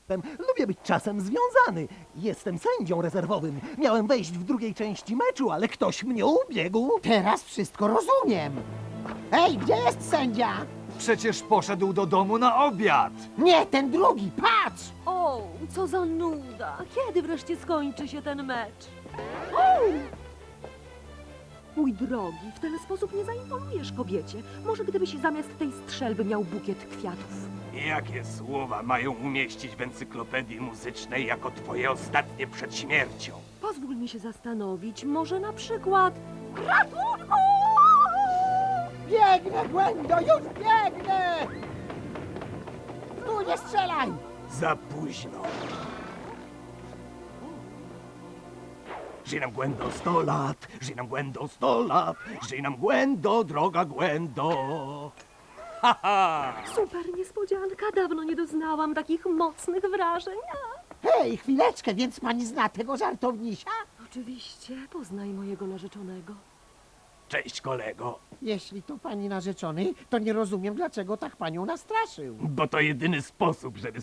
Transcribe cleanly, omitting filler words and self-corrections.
Lubię być czasem związany. Jestem sędzią rezerwowym. Miałem wejść w drugiej części meczu, ale ktoś mnie ubiegł. Teraz wszystko rozumiem. Ej, gdzie jest sędzia? Przecież poszedł do domu na obiad. Nie, ten drugi, patrz! O, co za nuda. Kiedy wreszcie skończy się ten mecz? Mój drogi, w ten sposób nie zaimponujesz kobiecie. Może gdybyś zamiast tej strzelby miał bukiet kwiatów. Jakie słowa mają umieścić w encyklopedii muzycznej jako twoje ostatnie przed śmiercią? Pozwól mi się zastanowić, może na przykład... Ratunku! Biegnę, Gwendo, już biegnę! Tu nie strzelaj! Za późno. Żyj nam Gwendo 100 lat, żyj nam Gwendo 100 lat, żyj nam Gwendo, droga Gwendo. Ha, ha! Super niespodzianka, dawno nie doznałam takich mocnych wrażeń. Hej, chwileczkę, więc pani zna tego żartownisia? Oczywiście, poznaj mojego narzeczonego. Cześć kolego, Jeśli to pani narzeczony, to nie rozumiem, dlaczego tak panią nastraszył. bo to jedyny sposób, żeby